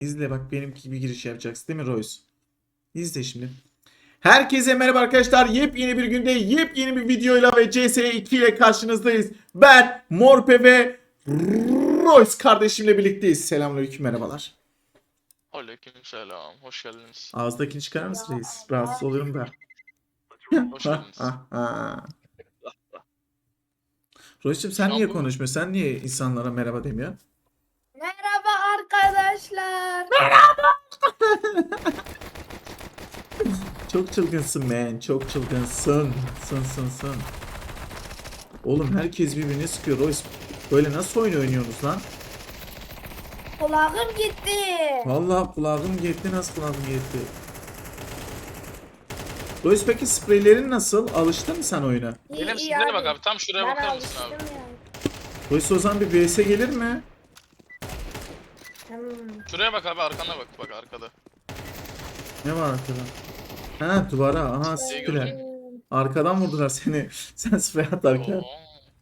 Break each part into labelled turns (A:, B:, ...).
A: İzle bak benimki gibi giriş yapacaksın değil mi Royce? İzle şimdi. Herkese merhaba arkadaşlar. Yepyeni bir günde yepyeni bir videoyla ve CS2 ile karşınızdayız. Ben Morpe ve Royce kardeşimle birlikteyiz. Selamünaleyküm, merhabalar.
B: Aleykümselam. Hoş geldiniz.
A: Ağızdakini çıkarır mısın reis? Rahatsız oluyorum da.
B: Hoş geldiniz.
A: Royce'cim sen
B: Şu an
A: niye
B: bu
A: konuşmuyorsun? Sen niye insanlara merhaba demiyorsun?
C: Merhaba arkadaşlar.
A: Çok çılgınsın man. Çok çılgınsın. Sın. Oğlum herkes birbirini sıkıyor Royce. Böyle nasıl oyun oynuyorsunuz lan?
C: Kulağım gitti.
A: Vallahi kulağım gitti, nasıl kulağım gitti? Royce peki spreylerin nasıl? Alıştın mı sen oyuna?
B: benim sizlere bak abi. Tam şuraya
C: Ben
B: bakar mısın
C: alıştım
B: abi?
C: ya.
A: Royce o zaman bir vs gelir mi?
B: Şuraya bak abi, arkana bak. Bak arkada.
A: Ne var arkada? Ha duvara. Aha
B: Şey
A: sıktılar.
B: gördün
A: Arkadan vurdular seni. Sen sprey atarken.
B: Oo.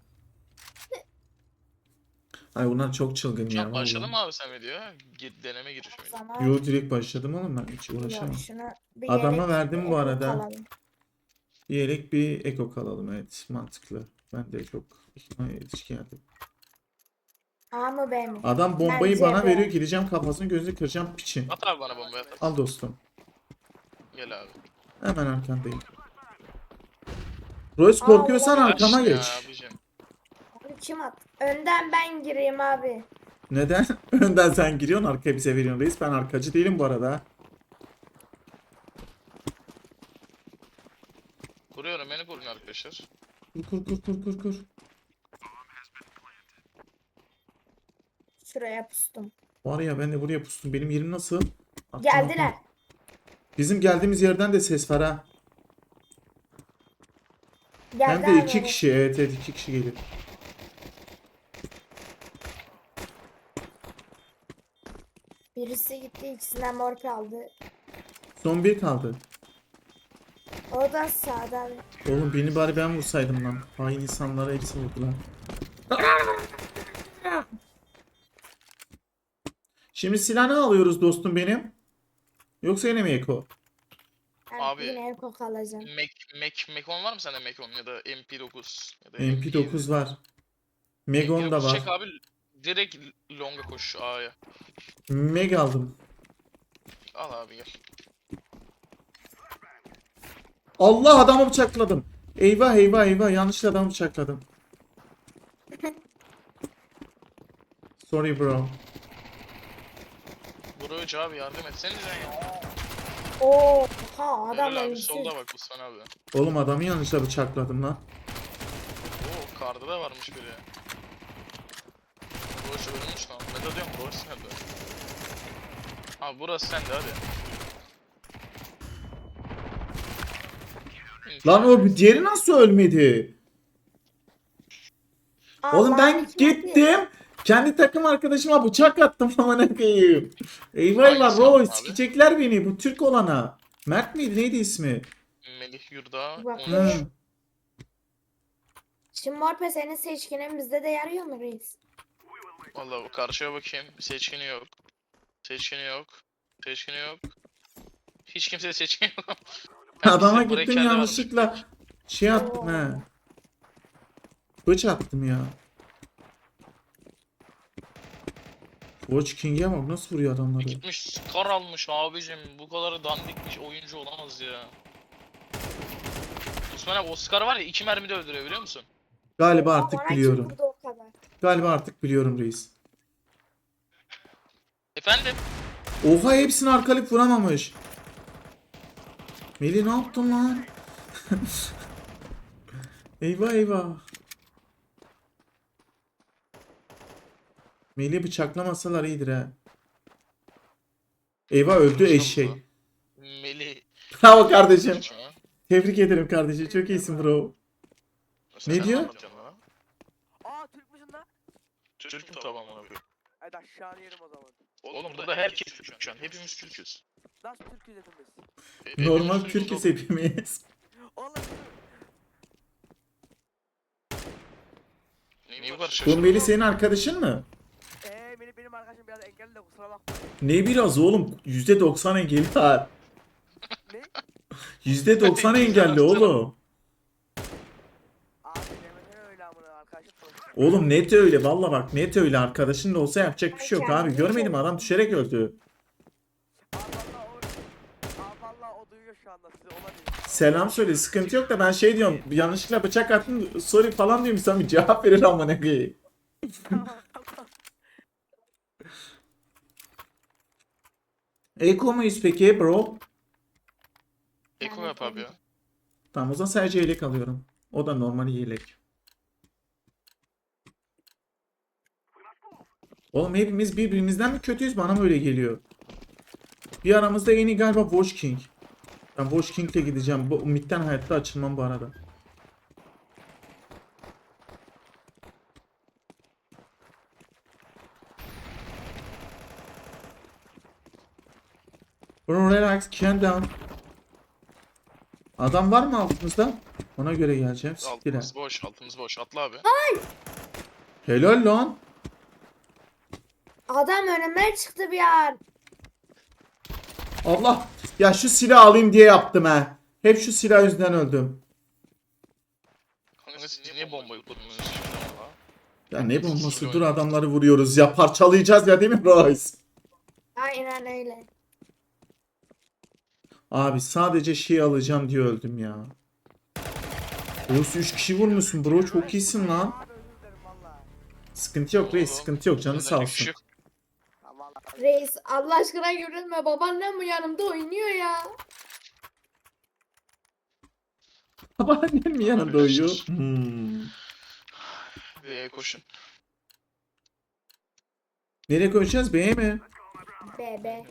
A: Ay bunlar çok çılgın
B: Şu
A: ya
B: an başladı
A: vallahi.
B: mı abi sen videoya? Deneme girişimi.
C: Zaman
A: Yo direkt başladım oğlum, ben hiç
C: yok,
A: uğraşamam.
C: şunu bir
A: Adama
C: yere
A: verdim bu
C: bir
A: arada.
C: kalalım.
A: Diyerek bir eko kalalım, evet mantıklı. Ben de çok yetişkin geldim.
C: A mı B mi?
A: Adam bombayı
C: Bence
A: bana
C: B.
A: veriyor, gideceğim kafasını gözünü kıracağım piçin.
B: At abi bana bombayı at.
A: Al dostum.
B: Gel abi.
A: Hemen arkandayım. Royce
C: Aa,
A: korkuyorsan
C: ulan.
A: arkama
B: Kaç ya
A: geç.
B: abicim?
C: Abi kim at? Önden ben gireyim abi.
A: Neden? Önden sen giriyorsun, arkaya bize veriyorsun reis. Ben arkacı değilim bu arada.
B: Kuruyorum, beni koruyun arkadaşlar.
A: Kur.
C: Şuraya pustum.
A: Var ya ben de buraya pustum. Benim yerim nasıl?
C: Geldiler.
A: Bizim geldiğimiz yerden de ses var ha.
C: Geldi
A: Hem de
C: abi.
A: iki kişi. Evet 2 kişi gelir.
C: Birisi gitti, ikisinden morpe aldı.
A: Son bir kaldı.
C: O da sağda abi.
A: Oğlum beni bari ben vursaydım lan. Hain insanlara hepsi vurdular. Şimdi silah ne alıyoruz dostum benim? Yoksa yine mi Eko?
C: Ben
B: Abi.
C: yine eko alacağım.
B: Mekon var mı sende, Mekon ya da MP9 ya da
A: MP9 var. Megon da
B: MP9
A: var.
B: çek abi. Direkt longa koş A'ya.
A: Meg aldım.
B: Al abi gel.
A: Allah, adamı bıçakladım. Eyvah yanlışlıkla adamı bıçakladım. Sorry bro.
B: Vurucu abi, yardım etsenize ya.
C: Oo, ha adam
B: Helal abi,
C: ölmüş.
B: solda bak Osman abi.
A: Oğlum adamı yanlışlıkla bıçakladım lan.
B: Oo, karda da varmış biri. Boş ölmüş lan. Ben de diyorum boş nerede? Abi burası sende hadi.
A: Lan o diğeri nasıl ölmedi? Oğlum ben
C: Allah'ın hikmeti.
A: gittim. Kendi takım arkadaşıma bıçak attım amına koyayım. Eyvallah
B: Hangisi
A: Roy,
B: aldın abi?
A: sikecekler beni bu Türk olana. Mert miydi, neydi ismi?
B: Melih Yurda
C: Bak.
B: 13.
A: Hı.
C: Şimdi morpe senin seçkinin bizde de yarıyor mu reis?
B: Valla karşıya bakayım. Seçkini yok. Seçkini yok. Seçkini yok. Hiç kimse seçkini yok.
A: Adama
B: Bizim buraya
A: gittim
B: kendi
A: yanlışlıkla şey attım
C: Oo.
A: he. Bıç attım ya. Watch King'e bak nasıl vuruyor adamları.
B: Gitmiş Scar almış abicim. Bu kadar dandikmiş oyuncu olamaz ya. Osman abi, o Scar var ya 2 mermide öldürüyor biliyor musun?
A: Galiba
C: Bana
A: artık
C: kim
A: biliyorum.
C: vurdu o kadar?
A: Galiba artık biliyorum reis.
B: Efendim?
A: Oha, hepsini arkalık vuramamış. Melih ne yaptın lan? Eyvah. Melih bıçaklamasalar iyidir ha. Eyvah, öldü eşek.
B: Melih.
A: Bravo kardeşim.
B: Ha?
A: Tebrik ederim kardeşim. Çok iyisin bro.
B: Sen
A: Ne diyor?
B: anlatacaksın lan?
D: Aa Türk müsün lan?
B: Türk'üm tamam ona koyayım.
D: Hadi aşağıya yerim o zaman.
B: Oğlum burada herkes Türk şu an. Hepimiz Türk'üz.
D: Nasıl Türk'üz hepimiz?
A: Normal
B: Hepimiz
A: Türk'üz
B: oğlum.
A: hepimiz.
D: Oğlum
B: Niye bu kadar
A: Bu
B: şaşırdın?
A: Melih senin arkadaşın mı?
D: Benim benim arkadaşım biraz engelli de kusura bakma.
A: Ne biraz oğlum? %90 engelli var.
D: Ne?
A: %90 engelli oğlum.
D: Abi demesene öyle amına arkadaşım sonuçta.
A: Oğlum net öyle. Valla bak net öyle. Arkadaşın da olsa yapacak bir şey yok abi.
C: Kendini
A: Görmedim
C: koru.
A: adam düşerek öldü.
D: Vallahi o duyuyor şu anda sizi olabilir.
A: Selam söyle. Sıkıntı yok da ben şey diyorum. Yanlışlıkla bıçak attım. Sorry falan diyorum. Sen bir cevap verir ama ne koyayım. Eko muyuz peki bro?
B: Eko yap abi ya.
A: Tamam o zaman sadece yelek alıyorum. O da normal yelek. Oğlum hepimiz birbirimizden mi kötüyüz? Bana mı öyle geliyor? Bir aramızda en iyi galiba Watch King. Ben Watch King'le gideceğim. Bu midden hayatta açılmam bu arada. Bro relax, calm down. Adam var mı altımızda? Ona göre geleceğim. Siktir ha.
B: Altımız boş, altımız boş. Atla abi.
A: Helal lan.
C: Adam önüme çıktı bir an.
A: Allah. Ya şu silah alayım diye yaptım ha. Hep şu silah yüzünden öldüm.
B: Kanka siz niye bombayı kurdunuz şimdi valla?
A: Ya ne bombası? Dur adamları vuruyoruz ya. Parçalayacağız ya değil mi Royce?
C: Aynen öyle.
A: Abi sadece şey alacağım diye öldüm ya. Royce 3 kişi vurmuşsun bro. Çok iyisin lan.
D: Abi özür dilerim valla.
A: Sıkıntı yok reis. Sıkıntı yok. Canı sağ
B: Özellik bir şey
A: olsun.
B: yok.
D: Ha, vallahi.
C: Reis Allah aşkına yürütme. Babaannem bu yanımda oynuyor ya.
A: Babaannem mi yanında uyuyor? Hmm.
B: Koşun.
A: Nereye koşacağız? B'ye mi?
C: Bebe.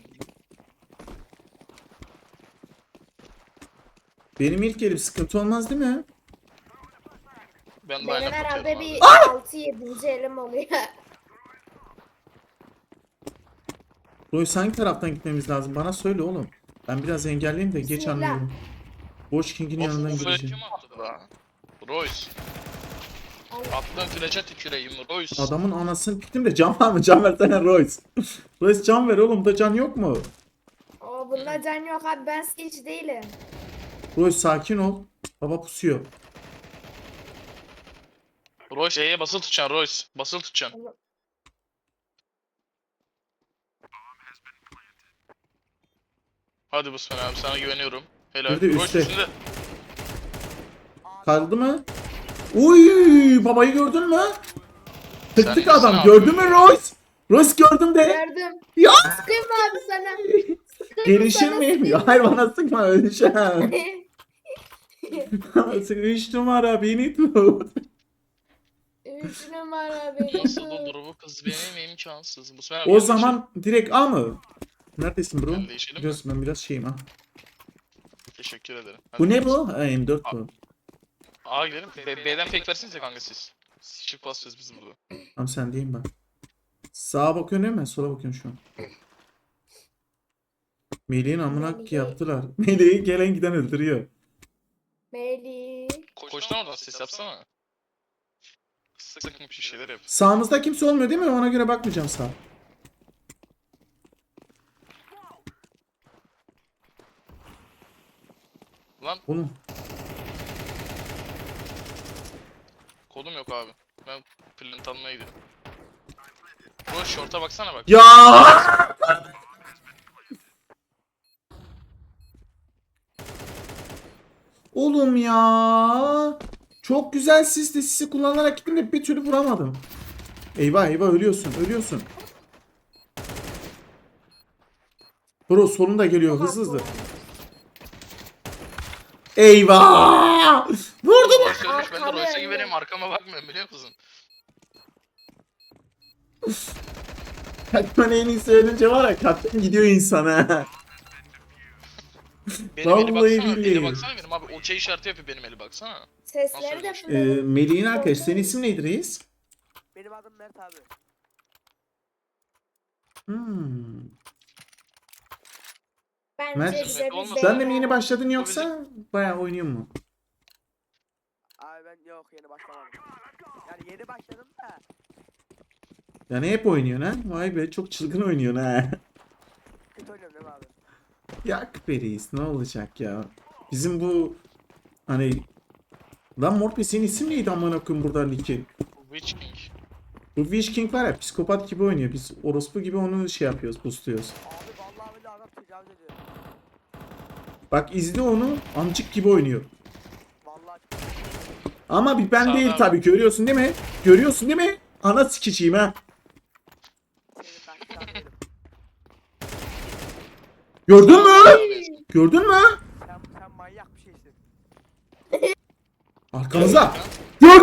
A: Benim ilk elim sıkıntı olmaz değil mi?
B: Ben de
C: Benim
B: aynen
C: herhalde
B: bakıyorum
C: bir
B: abi.
C: 6-7. elim oluyor.
A: Royce hangi taraftan gitmemiz lazım? Bana söyle oğlum. Ben biraz engelleyeyim de geç
C: Bismillah.
A: anlıyorum. Watch King'in yanından
B: Of,
A: gideceğim.
B: kim attı da? Royce. Attığın flash'a tüküreyim Royce.
A: Adamın anasını piktim de can var mı? Can versene Royce. Royce can ver oğlum da can yok mu?
C: O bunda can yok abi, ben hiç değilim.
A: Royce sakin ol. Baba pusuyor.
B: Royce E'ye basılı tutacaksın Royce. Basılı tutacaksın. Hadi Busman abi sana güveniyorum. Helal.
A: Bir de
B: Royce
A: üstte.
B: üstünde.
A: Kaldı mı? Uy, babayı gördün mü? Tık
B: Sen
A: tık
B: nesin
A: adam.
B: abi?
A: Gördün mü Royce? Royce gördüm de.
C: Gördüm.
A: Ya
C: Sıkayım mı abi sana?
A: gelişir miyim? Ya hayır bana sıkma öleceğim. 3 numara beni tut.
C: 3 numara beni
B: Nasıl
C: tut.
B: olur bu kız benim imkansız. Busman abi
A: O
B: gel
A: zaman direkt A mı? Neredesin bro?
B: Gel değişelim mi?
A: Biliyorsun ben biraz şeyim ha.
B: değişelim. Teşekkür ederim.
A: Bu
B: Hadi
A: ne
B: gidelim.
A: bu? Ha, M4 bu.
B: A'ya gidelim. B'den fake versinize kanka siz. Shift basacağız biz burada.
A: Tamam sen diyeyim ben. Sağa bakıyorsun değil mi? Sola bakıyorsun şu an. Melih'in amına
C: Melih.
A: yaptılar. Melih'i gelen giden öldürüyor.
C: Melih.
B: Koştan oradan ses yapsana. Sık sık bir şeyler yap.
A: Sağımızda kimse olmuyor değil mi? Ona göre bakmayacağım sağa.
B: Lan
A: Oğlum.
B: kodum yok abi. Ben plant almaya gidiyorum. Bu short'a baksana bak.
A: Ya! Oğlum ya. Çok güzel sisi kullanarak gittim de bir türlü vuramadım. Eyvah eyvah ölüyorsun ölüyorsun. Bro solunda geliyor hızlı hızlı. Eyvah! Vurdum.
B: Royce ölmüş ben de
C: Arkamda
B: Royce'a
C: öyle.
B: güveneyim arkama bakmıyorum biliyor musun?
A: Katman en iyisi ölünce var ya katman gidiyor insana.
B: Benim eli
A: Vallahi
B: baksana.
A: billahi.
B: Eli baksana benim abi. Okey işareti yapıyor benim eli baksana.
C: Sesleri de
B: Nasıl
C: fırladı.
A: Melih'in arkadaşı senin isim neydi reis?
D: Benim adım Mert abi.
A: Hmm.
C: Bence
A: Mert,
C: bize bir
B: olmasa-
A: Sen de mi
C: beyler-
A: yeni başladın yoksa bayağı oynuyor mu?
D: Abi ben yok yeni başlamadım. Yani yeni başladım da.
A: Yani hep oynuyorsun ha? Vay be çok çılgın oynuyorsun ha.
D: Kötü oynuyorum değil mi abi?
A: Yak be reis ne olacak ya? Bizim bu hani lan Morpe senin isim neydi amına koyayım buradan Nick'in?
B: Witch King.
A: Bu Witch King var ya psikopat gibi oynuyor. Biz orospu gibi onu şey yapıyoruz, boostluyoruz.
D: Abi vallahi bile adam tecavüz ediyor.
A: Bak izle onu amcık gibi oynuyor.
D: Vallahi
A: Ama bir ben
B: Sağ ol
A: değil
B: abi.
A: tabii görüyorsun değil mi? Görüyorsun değil mi? Ana sikiciyim ha.
D: senin ben şarkıyım.
A: Gördün mü?
B: Abi,
A: Gördün mü?
D: Sen manyak bir şeysin.
A: Arkamıza. Gördün?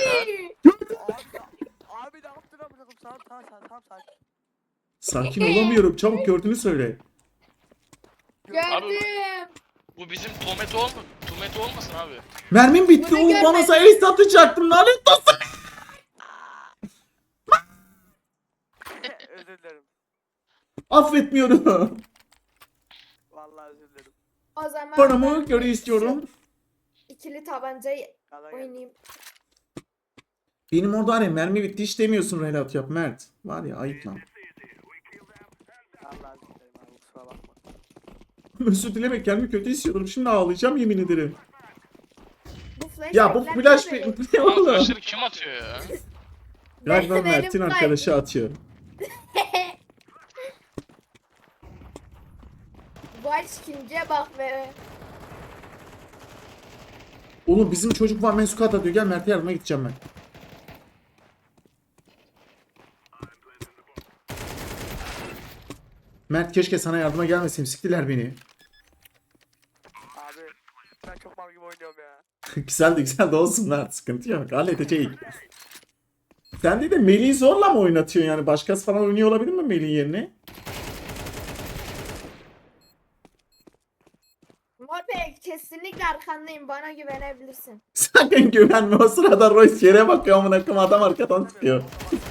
D: Abi ne yaptın amına koyayım? Tamam sakin.
A: Sakin olamıyorum. Çabuk gördüğünü söyle.
C: Gördüm.
B: Bu bizim Tomet olmasın abi.
A: Mermim bitti
C: Bunu
A: oğlum bana
C: görmedim.
A: sayı satacaktım lanet olsun.
D: Özür dilerim.
A: Affetmiyorum.
D: Vallahi özür dilerim.
C: O zaman
A: Paramı
C: ben
A: geri
C: şu
A: istiyorum.
C: İkili tabancayı
D: Gaza geldim.
C: oynayayım.
A: Benim orada hani mermi bitti hiç demiyorsun relat yap Mert. Var ya ayıp lan.
D: Vallahi özür dilerim abi kusura bakma.
A: Özür dilemek kendimi kötü hissediyorum. Şimdi ağlayacağım yemin ederim.
C: Bu flash
A: Ya bu
C: bekler
A: flash
C: böyle.
A: ne
B: Oğlum
A: oğlum?
B: flashları kim atıyor ya?
A: Galiba
C: Benim
A: Mert'in
C: kaydı.
A: arkadaşı atıyor.
C: Baş ikinciye bak be.
A: Oğlum bizim çocuk var mensukat atıyor. Gel Mert'e yardıma gideceğim ben. Mert keşke sana yardıma gelmeseydim. Siktiler beni.
D: Abi ben çok mal gibi oynuyorum ya.
A: Güzel de olsun lan. Sıkıntı yok. Halledeceğiz. Sen de Melih'i zorla mı oynatıyorsun yani? Başkası falan oynuyor olabilir mi Melih'in yerine?
C: Morpe kesinlikle arkandayım. Bana güvenebilirsin.
A: Sakın güvenme o sırada Royce yere bakıyor amına koyayım adam arkadan sıkıyor.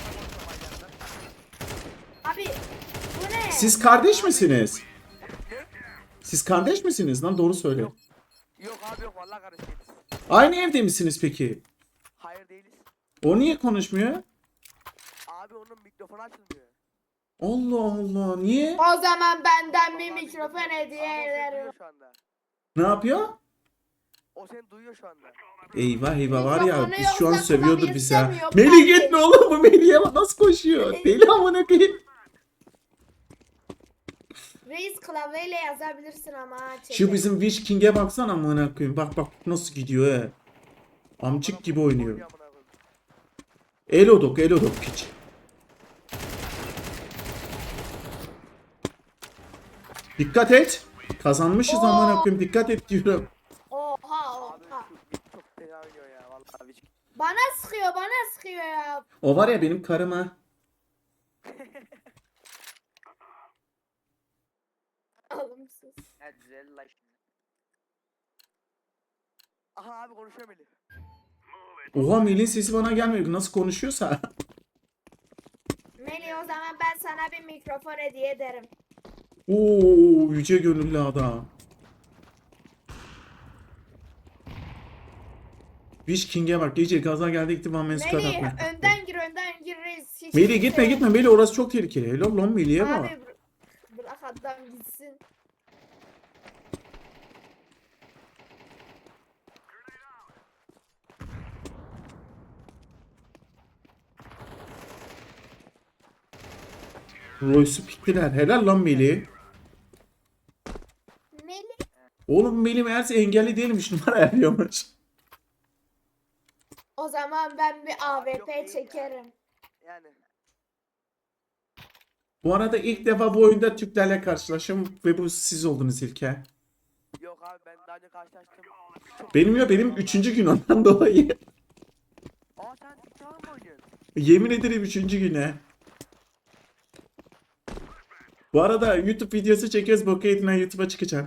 C: Abi bu ne?
A: Siz kardeş misiniz? Siz kardeş misiniz lan doğru söyle.
D: Yok abi yok vallahi kardeş değiliz.
A: Aynı evde misiniz peki?
D: Hayır değiliz.
A: O niye konuşmuyor?
D: Abi onun mikrofonu açılmıyor.
A: Allah Allah niye?
C: O zaman benden bir
D: Vallahi
C: mikrofon
D: bilmiyorum.
C: hediye
D: Ama o seni
C: ederim.
D: duyuyor şu anda.
A: Ne yapıyor?
D: O seni duyuyor şu anda.
A: Eyvah var ya
C: Mikrofonu
A: biz şu an
C: yoksa
A: sövüyordur
C: klavye
A: bizi ha.
C: istemiyor,
A: Melih
C: klavye.
A: gitme oğlum bu Melih'e bak nasıl koşuyor. Deli amına koyayım.
C: Reis klavyeyle yazabilirsin ama ha,
A: Şu
C: çete.
A: bizim Witch King'e baksana amına koyayım. Bak nasıl gidiyor he. Amcık gibi oynuyor.
D: amına koyayım.
A: Elodok piç. Dikkat et. Kazanmışız
C: Oo.
A: amına koyayım. Dikkat et diyorum.
C: Oha
D: Abi
C: oha.
D: şu bit çok fena oynuyor ya vallahi hiç.
C: Bana sıkıyor ya.
A: O var ya benim karım ha.
C: Alımsız.
D: Evet güzel la şimdi. Aha abi konuşuyor Melih.
A: Oha Melih'in sesi bana gelmiyor. Nasıl konuşuyorsa.
C: Melih o zaman ben sana bir mikrofon hediye ederim.
A: Oo yüce gönüllü adam. Witch King'e bak gece gaza geldi gitti bana mensup
C: Melih
A: atma.
C: önden gir reis. Hiç
A: Melih
C: kimse-
A: gitme Melih orası çok tehlikeli. Helal lan Melih'e bak.
C: Abi bırak adam gitsin.
A: Royce'u piktiler. Helal lan Melih.
C: Melih
A: Oğlum Melih meğerse engelli değilmiş numara yapıyormuş.
C: o zaman ben bir
D: Yok
C: AWP
D: değil ya.
C: çekerim.
D: Yani.
A: Bu arada ilk defa bu oyunda Türklerle karşılaşım ve bu siz oldunuz ilk he.
D: Yok abi ben daha önce karşılaştım. Çok
A: Benim ya benim 3. gün ondan dolayı.
D: Aa sen TikTok'a mı oynuyorsun?
A: Yemin ederim 3. güne. Bu arada YouTube videosu çekiyoruz. Boku eğitimden YouTube'a çıkacağım.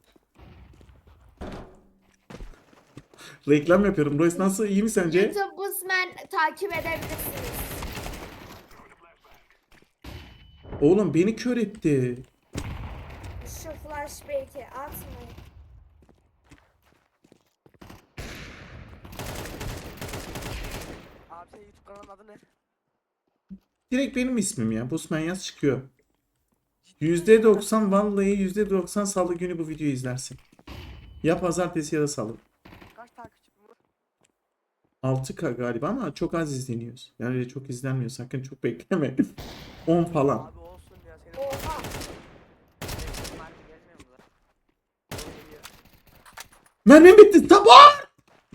A: Reklam yapıyorum. Royce nasıl? İyi mi sence?
C: YouTube Busman takip edebilirsiniz.
A: Oğlum beni kör etti.
C: Şu flash belki atmayın.
D: Abi senin YouTube kanalın adı ne?
A: Direkt benim ismim ya. Busman yaz çıkıyor. %90 vallahi %90 salı günü bu videoyu izlersin. Ya pazartesi ya da salı.
D: Kaç takipçi bu?
A: 6K galiba ama çok az izleniyoruz. Yani öyle çok izlenmiyor. Sakın çok bekleme. 10 falan.
D: Abi olsun ya senin.
C: Oha.
D: Marka gelmiyor mu lan? Geliyor.
A: Mermim bitti. Tamam.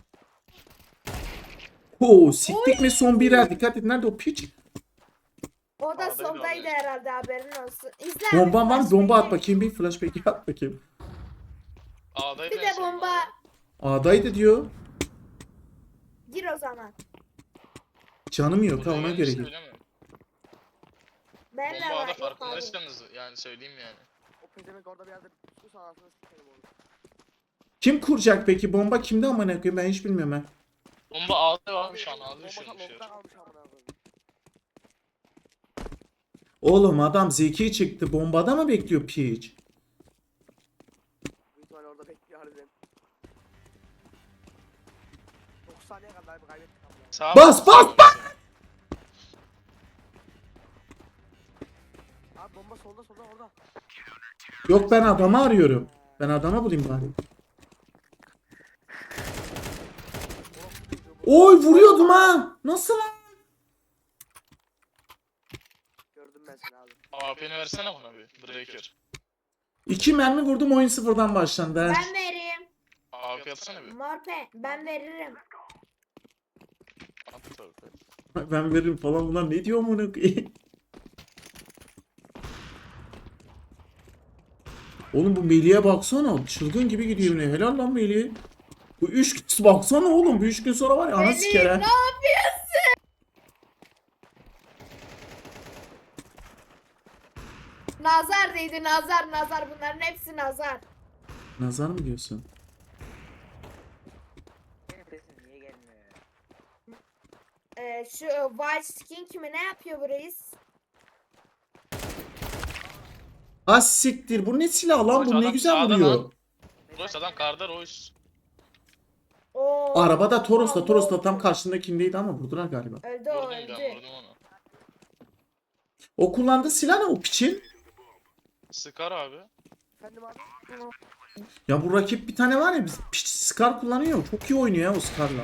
A: Oo, siktik mi son birer. Dikkat et. Nerede o piç?
C: O da
B: A'da bile
C: soldaydı
B: oluyor.
C: herhalde, haberin olsun. İzle abi,
A: Bomba var. Bomba at
C: flashback'i.
A: bakayım. Bir flashback at bakayım.
B: A'daydı
C: Bir
B: en
C: de
B: son
C: bomba.
B: abi.
A: A'daydı diyor.
C: Gir o zaman.
A: Canım yok ha,
B: Buraya
A: ona
B: gelmiş
A: göre
B: de
A: gir.
B: bilemiyorum.
C: Ben de
B: Bomba
C: var.
B: A'da
C: Yok abi.
B: farkındaysanız yani söyleyeyim yani.
D: O pezemek orada bir yerde su sahasını sikerim oğlum.
A: Kim kuracak peki? Bomba kimde amına koyayım? Ben hiç bilmiyorum ha.
B: Bomba A'da var şu an A'da
D: Bomba
B: düşürmüşler.
D: long'da kalmış amına koyayım.
A: Oğlum adam zeki çıktı. Bombada mı bekliyor piç?
D: Büyük ihtimalle orada bekliyor harbiden. 9 saniye kadar bir kaybettik amına.
B: Sağa
A: Bas,
B: bak,
A: bas,
B: sağa bak.
D: Abi bomba solda orada.
A: Yok, ben adamı arıyorum. Ben adama bulayım bari. Oy, vuruyordum ha. Nasıl lan?
D: Gördüm ben seni abi.
B: AP'ni versene bana bir. Breaker.
A: 2 mermi vurdum, oyun sıfırdan başlandı ha.
C: Ben vereyim.
B: AP atsana bir.
C: Morpe ben veririm.
B: At tabii.
A: Ben veririm falan, bunlar ne diyor amına koyayım? Oğlum bu Melih'e baksana. Çılgın gibi gidiyor ne? Helal lan Melih. Bu 3 gün baksana oğlum. Bu 3 gün sonra var ya ana
C: Melih,
A: siker ha.
C: ne yapıyorsun? Nazar değdi, nazar, bunların hepsi nazar.
A: Nazar mı diyorsun?
D: Benim sesim niye gelmiyor ya?
C: Şu White Skin kimi ne yapıyor bu reis?
A: Ha siktir. Bu ne silah lan? Bu ne
B: Adam
A: güzel
B: sağda
A: vuruyor.
B: lan. Royce adam karda Royce.
C: Oo.
A: Arabada Toros'ta
C: Allah.
A: tam karşındakindeydi ama vurdular galiba.
C: Öldü o,
B: Vurdum ben
C: öldü.
B: vurdum onu.
A: O kullandığı silah ne o piçin?
B: Sıkar abi.
D: Efendim abi?
A: Ya bu rakip bir tane var ya, piç Scar kullanıyor. Çok iyi oynuyor ya o Scar'la.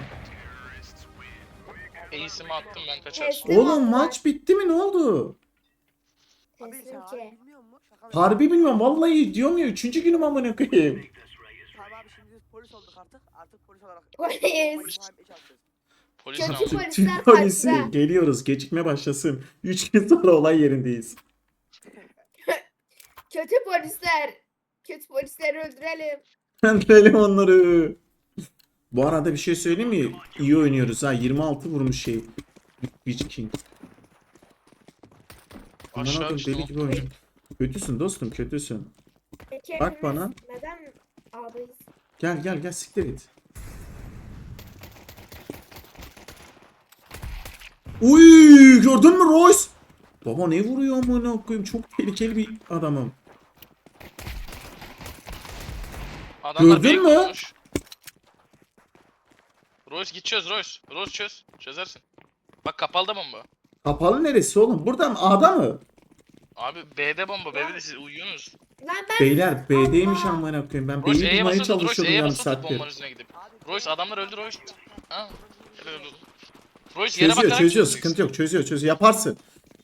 B: Ace'imi attım ben kaçar.
C: Teslim
A: Oğlum
C: oldular.
A: maç bitti mi, ne oldu?
D: Abi sen
C: Teslim
D: harbi
C: ki.
D: bilmiyor musun? Şaka mı?
A: Harbi bilmiyorum vallahi, diyorum ya 3. günüm amına koyayım.
D: Tamam abi şimdi biz polis olduk artık. Artık polis olarak.
C: Polis.
D: Polis muhabbet yapacağız.
B: Polis
C: Kötü
B: ne
C: polis.
B: oldu?
C: Polisler
A: Türk polisi
C: kaçtı.
A: geliyoruz, gecikme başlasın. 3 gün sonra olay yerindeyiz.
C: Kötü polisler. Kötü polisleri öldürelim.
A: Öldürelim onları. Bu arada bir şey söyleyeyim mi? İyi oynuyoruz ha. 26 vurmuş şey. Witch King. Aman
B: Aşağı
A: adam
B: düştüm.
A: deli gibi oynuyor. Kötüsün dostum, kötüsün.
C: Peki
A: Bak
C: hepimiz
A: bana.
C: neden ağlayız?
A: Gel siktir git. Uy, gördün mü Royce? Baba ne vuruyor amına koyayım, çok tehlikeli bir adamım.
B: Adamlar
A: Gördün
B: Gördün
A: mü?
B: mü? Royce git çöz Royce. Royce çöz. Çözersin. Bak kapalı da bomba.
A: Kapalı neresi oğlum? Burada mı? A'da mı?
B: Abi B'de bomba. B'de de siz uyuyorsunuz.
C: Lan ben
A: Beyler B'deymiş
C: Allah.
A: amına koyayım. Ben
B: Royce
A: B'yi
B: E'ye
A: bulmaya
B: basılı tut. Royce
A: çalışıyordum
B: E'ye
A: yarım
B: basılı tut
A: saattir.
B: bombanın üstüne gidip.
D: Abi
B: Royce adamlar öldü Royce. Ha? Helal olsun. Royce yere
A: Çözüyor
B: bakarak çözeceksin.
A: sıkıntı yok, çözüyor yaparsın.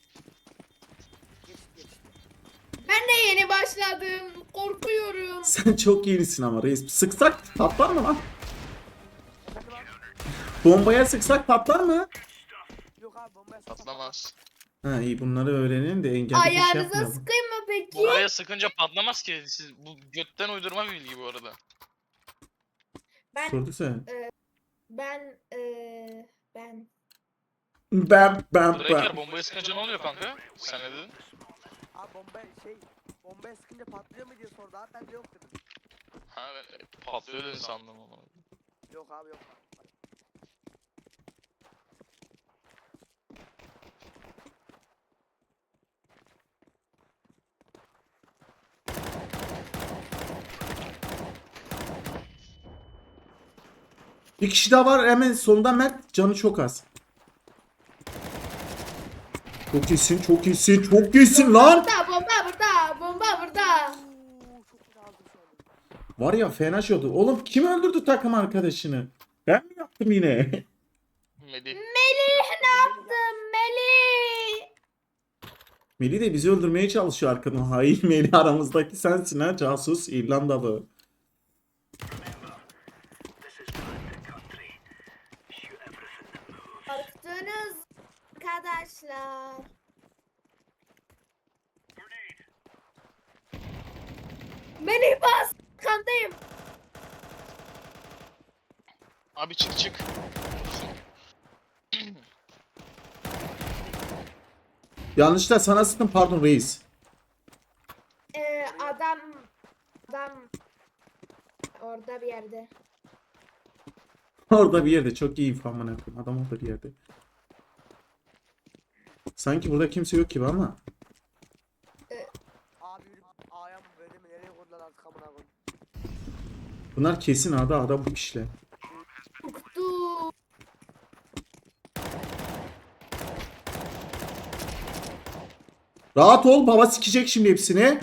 D: geç.
C: Ben de yeni başladım. Korkuyorum.
A: Sen çok yenisin ama reis. Sıksak patlar mı lan?
D: Efendim abi?
A: Bombaya sıksak patlar mı?
D: Yok abi bombaya sıkma.
B: Patlamaz.
A: Ha iyi, bunları öğrenin de engelli bir şey
C: Ayağınıza
A: yapmayalım.
C: sıkayım mı peki?
B: Buraya sıkınca patlamaz ki. Siz bu götten uydurma bir bilgi bu arada.
C: Ben
A: Sordu sen.
C: ben ben
A: Ben.
B: Breaker bombaya sıkınca ne oluyor kanka? Sen ne dedin?
D: Abi bombaya sıkınca patlıyor mu diye sordu abi ben de yok dedim.
B: Ha ben patlıyor dedin sandım ama.
D: Yok abi yok.
A: Bir kişi daha var hemen solunda, Mert. Canı çok az. Çok iyisin, çok iyisin, çok iyisin lan.
C: Burada bomba burada. Bomba burada.
D: Oo, çok güzel aldım şu anda.
A: Var ya fena şey oldu. Oğlum kim öldürdü takım arkadaşını? Ben mi yaptım yine?
B: Melih.
C: Melih ne yaptın Melih?
A: Melih de bizi öldürmeye çalışıyor arkadan. Hain Melih aramızdaki sensin ha casus İrlandalı.
C: Korktunuz arkadaşlar. Melih bas. Kandayım.
B: Abi çık çık.
A: Yanlışlıkla sana sıktım pardon reis.
C: Adam orada bir yerde.
A: Orada bir yerde çok iyi info amına koyayım. Adam orada bir yerde. Sanki burada kimse yok gibi ama.
D: Abi yürü A'ya mı böyle mi nereye koydular artık amına koyayım.
A: Bunlar kesin ada bu kişiler.
C: Korktu.
A: Rahat ol baba sikecek şimdi hepsini.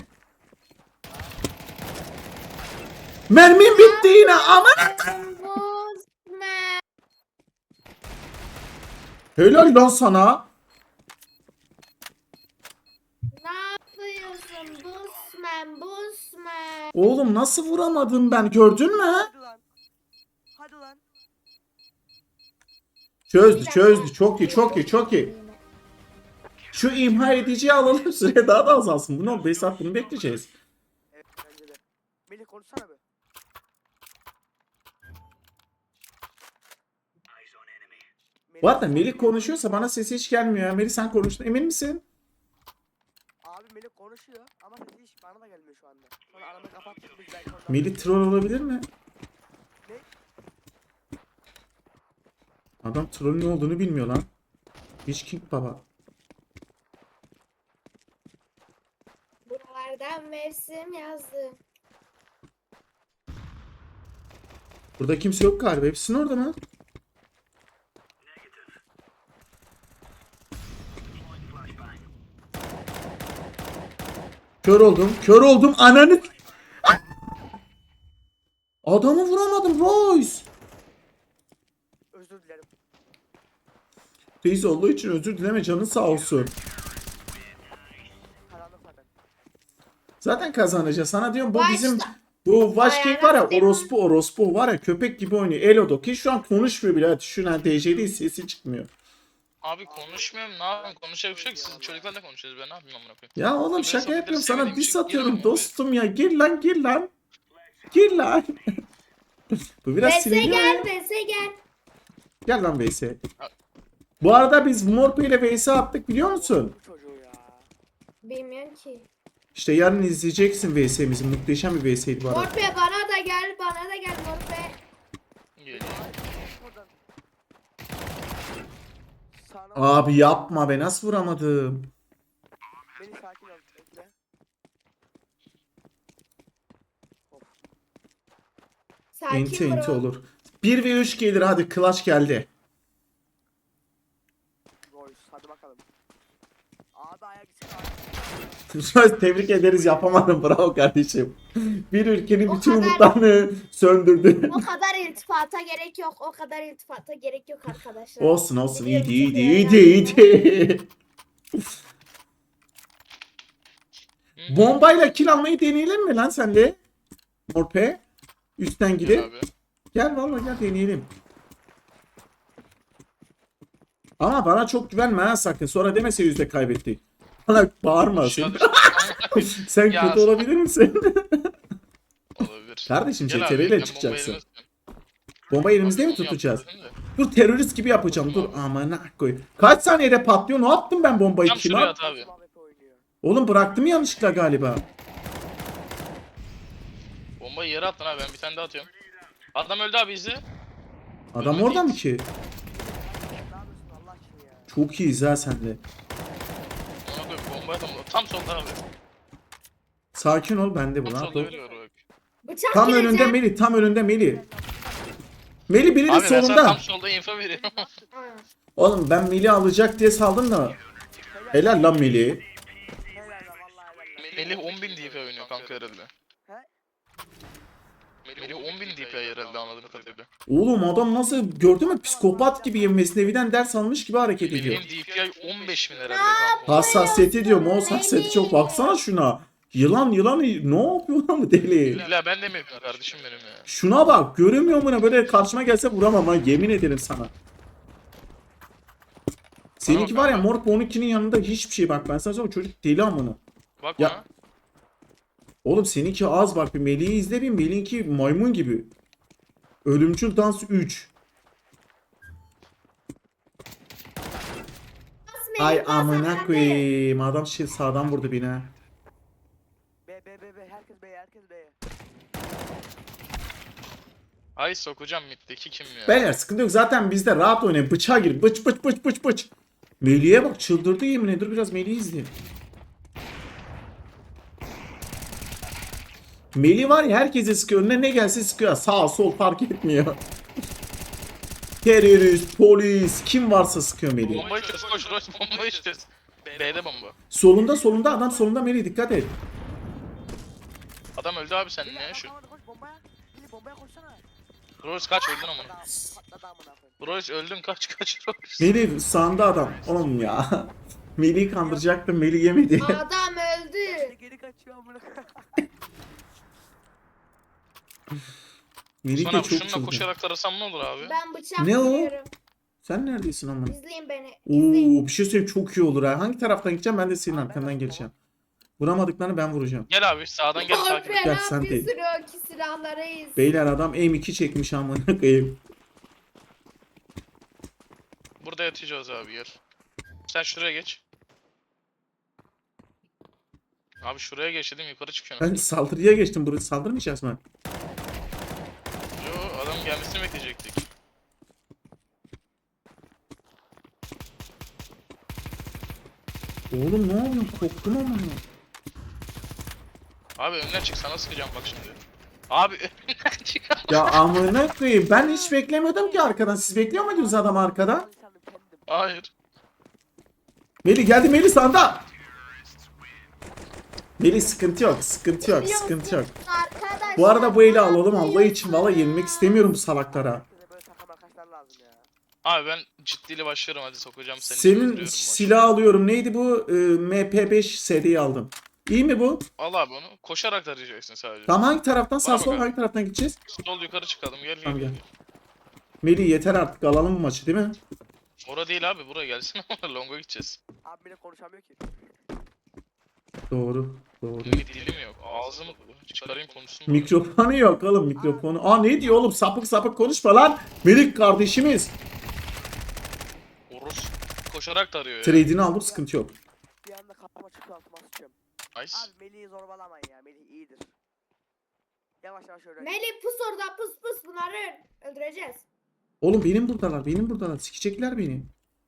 A: Mermim bitti yine aman.
C: Bozma.
A: Helal lan sana.
C: Ne yapıyorsun? Busman.
A: Oğlum nasıl vuramadım ben gördün mü?
D: Hadi lan. Hadi lan.
A: Çözdü çok iyi. Şu imha ediciyi alalım süre daha da azalsın. Bu ne 5 saat bunu bekleyeceğiz.
D: Evet bence de. Melih konuşsana be.
A: Bu arada Melih konuşuyorsa bana sesi hiç gelmiyor ya. Melih sen konuştun emin misin?
D: Abi Melih konuşuyor ama sesi hiç bana da gelmiyor şu anda. Sonra aramı kapattık biz belki oradan.
A: Melih troll olabilir mi?
D: Ne?
A: Adam trollün ne olduğunu bilmiyor lan. Hiç King baba.
C: Buralardan mevsim yazdı.
A: Burada kimse yok galiba. Hepsinin orada mı? Kör oldum ananı. Adamı vuramadım Royce.
D: Özür dilerim.
A: Reis olduğu için özür dileme canın sağ olsun.
D: Karanlık zaten.
A: Zaten kazanacağız. Sana diyorum bu
C: Başla.
A: bizim bu Vaşkek var ya
C: Ayağına
A: orospu var ya köpek gibi oynuyor. Elodo ki şu an konuşmuyor bile. Hadi şu an DC'de sesi çıkmıyor.
B: Abi konuşmuyorum. Ne yapayım? Konuşacak bir şey yok. Siz çocuklarla konuşuyoruz. Ben ne yapayım amına koyayım?
A: Ya oğlum
B: Ben
A: şaka
B: sohbetleri
A: yapıyorum sana
B: sevmediğim
A: diss
B: için
A: atıyorum
B: girmiyorum
A: dostum ya. Gir lan. Gir lan. Bu biraz
C: Vese
A: sinirli ya.
C: gel, Vese gel.
A: Gel lan VS. Bu arada biz Morpe ile VS attık biliyor musun?
D: Bu çocuğu ya.
C: Bilmiyorum ki.
A: İşte yarın izleyeceksin VS'mizi. Muhteşem bir VS'ydi bu arada.
C: Morpe bana da gel Morpe.
B: Geliyor.
D: Oradan. Sağına
A: Abi yapma be nasıl vuramadım.
D: Beni sakin ol. Bekle.
A: Enti
C: Sakin
A: enti
C: bro.
A: olur. 1 ve 3 gelir hadi clutch geldi.
D: Royce hadi bakalım. Abi ayak içi abi.
A: Tebrik ederiz yapamadım bravo kardeşim. Bir ülkenin
C: O
A: bütün
C: kadar-
A: umutlarını söndürdü.
C: O kadar iltifata gerek yok. Arkadaşlar.
A: olsun
C: Biliyorum
A: iyiydi.
C: çok eğlendim.
A: Bombayla kill almayı deneyelim mi lan senle? Morpe. Üstten
B: Gel
A: gidip.
B: abi.
A: Gel vallahi gel deneyelim. Ama bana çok güvenme ha sakın. Sonra demese yüzde kaybettik. Bana bağırma
B: Şu
A: sen.
B: an
A: Sen
B: Ya.
A: kötü olabilir misin?
B: olabilir.
A: Kardeşim
B: Gel abi,
A: CTRL
B: ben
A: ile çıkacaksın.
B: bombayı elimle
A: Bombayı elimizde mi
B: tutuyorum.
A: tutacağız?
B: Yaptım da.
A: Dur terörist gibi yapacağım. Dur amına koy. Kaç saniyede patlıyor? Ne yaptım ben bombayı
B: Tam
A: kime?
B: şuraya at abi.
D: Muhabbet oynuyor.
A: Oğlum bıraktım yanlışlıkla galiba.
B: Bombayı yere attın abi, ben bir tane daha atıyorum. Adam öldü abi, izle.
A: Adam orada mı ki?
D: Ne yapıyorsun Allah aşkına ya.
A: Çok iyiyiz ha sende.
B: Ona koyayım, bombayı atalım. Tam solda abi.
A: Sakin ol bende bu
B: Tam
A: lan.
B: solda biri var bak.
C: Bıçak
A: Tam
C: gireceğim.
A: önünde Melih. Tam önünde Melih. Melih birinin
B: Abi ben sana
A: solunda.
B: tam solda info veriyorum.
C: Ha.
A: Oğlum ben Melih alacak diye saldım da.
D: Helal
A: Helal lan Melih.
D: Helal lan vallahi helal lan.
B: Melih 10.000 DP oynuyor kanka herhalde.
D: He?
B: Melih 10.000 DP herhalde anladığım kadarıyla.
A: Oğlum adam nasıl gördün mü psikopat gibi Mesnevi'den ders almış gibi hareket ediyor.
B: Melih'in DPI 15.000 herhalde kanka.
A: Hassasiyeti diyor mu? O hassasiyeti çok. Baksana şuna. Yılan yılan ne yapıyor lan bu deli?
B: İlla ben de mi yapıyorum kardeşim benim ya?
A: Şuna bak. Göremiyor mu ne? Böyle karşıma gelse vuramam ha. Yemin ederim sana. Seninki var ya Morp 12'nin yanında hiçbir şey bak. Ben sana söyleyeyim çocuk deli amına.
B: Bak
A: Ya-
B: bana.
A: Oğlum seninki az bak. Bir Melih'i izle bir. Melih'inki maymun gibi. Ölümcül dans 3. Ay amına koyayım. Adam şey sağdan vurdu beni ha.
D: B. Herkes B. Herkes B.
B: Ay sokacağım middeki kim ya?
A: Beyler sıkıntı yok. Zaten bizde rahat oynayın. Bıçağa gir. Bıç bıç bıç bıç bıç. Melih'e bak çıldırdı yemin ederim. Dur biraz Melih'i izleyelim. Melih var ya herkese sıkıyor. Önüne ne gelse sıkıyor. Sağ sol fark etmiyor. Terörist, polis kim varsa sıkıyor Melih.
B: Bombayı çöz koş Royce bombayı çöz. B'de bomba.
A: Solunda adam solunda Melih dikkat et.
B: Adam öldü abi sen
D: Melih
B: ne
D: adam
B: şu?
D: kalmadı, koş bombaya. Melih bombaya koşsana.
B: Royce kaç öldün amına.
D: Patladı amına koyayım.
B: Royce öldün kaç Royce.
A: Melih sağında adam. Oğlum ya. Melih'i kandıracaktım. Melih yemedi.
C: Adam öldü.
D: Geri kaçıyor amına koyayım.
A: Melih
B: Sana
A: de
B: abi
A: çok
B: şununla
A: çılgın.
B: koşarak tarasam ne olur abi?
C: Ben bıçak
A: Ne o?
C: vuruyorum.
A: Sen neredesin ama?
C: İzleyin beni. İzleyin.
A: Oo bir şey söyleyeyim çok iyi olur ha. Hangi taraftan gideceğim ben de senin
D: Abi,
A: arkandan
D: ben-
A: geleceğim. Vuramadıklarını ben vuracağım.
B: Gel abi sağdan gel takip et.
C: Morpe
A: Gel,
C: ne
A: sen
C: yapıyorsun
A: değil.
C: o ki silahlarıyız.
A: Beyler adam M2 çekmiş amına koyayım.
B: Burada yatacağız abi gel. Sen şuraya geç. Abi şuraya geç dedim yukarı çıkıyorsun.
A: Ben saldırıya geçtim. Burası saldırmayacağız mı?
B: Yo adam gelmesini bekleyecektik.
A: Oğlum ne yapıyorsun? Korktum ama.
B: Abi önüne çık sana sıkacağım bak şimdi. Abi önüne çık.
A: Ya amına koyayım. Ben hiç beklemiyordum ki arkadan. Siz bekliyor muydunuz adam arkada?
D: İnsanım kendim.
B: Hayır.
A: Melih geldi Melih sağda. Melih sıkıntı yok. Sıkıntı yok. Sıkıntı yok.
C: Arkadaşlar.
A: Bu arada bu eli
C: ne
A: alalım Allah için. Valla
C: yapıyorsunuz?
A: yenilmek istemiyorum bu salaklara.
D: Herkese böyle takım arkadaşlar lazım ya.
B: Abi ben ciddiyle başlıyorum hadi sokacağım seni.
A: Senin
B: öldürüyorum maçı.
A: silah alıyorum. Neydi bu? MP5 seriyi aldım. İyi mi bu?
B: Al abi onu. Koşarak tarayacaksın sadece.
A: Tamam hangi taraftan? Sağ
B: Bana
A: sol
B: bak.
A: hangi taraftan gideceğiz?
B: Sol yukarı çıkalım gel
A: Tamam,
B: gel.
A: gel. Melih yeter artık alalım bu maçı değil mi?
B: Ora değil abi buraya gelsin ama Long'a gideceğiz.
D: Abi bile konuşamıyor ki.
A: Doğru. Doğru.
B: Dilim yok. Ağzımı çıkarayım konuşsun. bari.
A: Mikrofonu yok oğlum mikrofonu. Aa ne diyor oğlum sapık sapık konuşma lan. Melih kardeşimiz.
B: Orus koşarak tarıyor ya.
A: Trade'ini aldım sıkıntı yok.
D: Bir anda kafama çıkıyor altıma sıçıyorum.
B: Nice.
D: Abi Melih'i zorbalamayın ya. Melih iyidir. Yavaş yavaş öğren.
C: Melih pus orada pus bunları öldüreceğiz.
A: Oğlum benim buradalar. Sikecekler beni.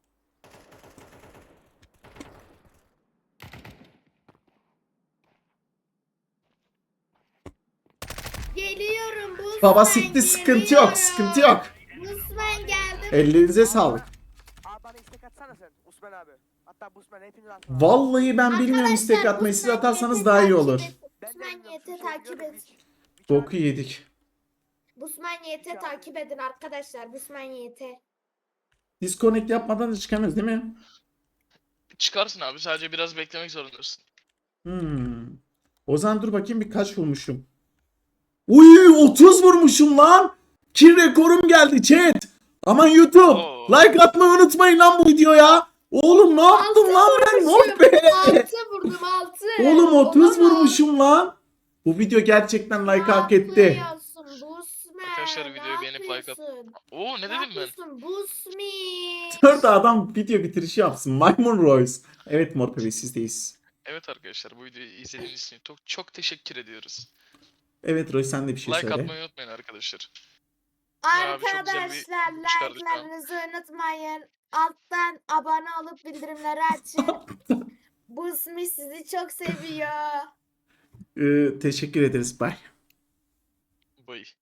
C: Geliyorum Busman.
A: Baba sikti sıkıntı yok sıkıntı yok.
C: Busman geldi.
A: Ellerinize sağlık.
D: Abi bana istek atsana sen. Osman abi. Hatta Busman hepiniz atın. abi.
A: Vallahi ben bilmiyorum istek
C: Arkadaşlar,
A: atmayı siz
C: Busman
A: atarsanız
C: YT
A: daha iyi
C: takip
A: olur.
C: et.
D: Ben de
C: Busman
D: bilmiyorum,
C: YT
D: şu şey
C: takip
D: biliyorum,
C: et.
D: bir
A: Boku
D: çağır-
A: yedik.
C: Busman YT takip edin arkadaşlar. Busman YT.
A: Disconnect yapmadan da çıkamıyoruz değil mi?
B: Çıkarsın abi sadece biraz beklemek zorundasın.
A: O zaman dur bakayım bir kaç vurmuşum. Uy 30 vurmuşum lan. Kill rekorum geldi chat. Aman YouTube.
B: Oo.
A: Like atmayı unutmayın lan bu videoya. Oğlum ne yaptım lan ben? Mor be.
C: 6 vurdum 6.
A: Oğlum 30 vurmuşum lan. Bu video gerçekten like hak etti.
B: Arkadaşlar videoyu beğenip like at. Oo ne dedim ben?
C: Busmi.
A: Dört adam video bitirişi yapsın. Maymun Royce. Evet Mor Bebe sizdeyiz.
B: Evet arkadaşlar bu videoyu izlediğiniz için çok teşekkür ediyoruz.
A: Evet Royce sen de bir şey
B: Like
A: söyle.
B: atmayı unutmayın arkadaşlar. Ya abi, çok güzel bir
C: Arkadaşlar
B: çıkardık ha.
C: like'larınızı unutmayın. Alttan abone olup bildirimleri açın. Busmi sizi çok seviyor.
A: Teşekkür ederiz. Bye.
B: Bye.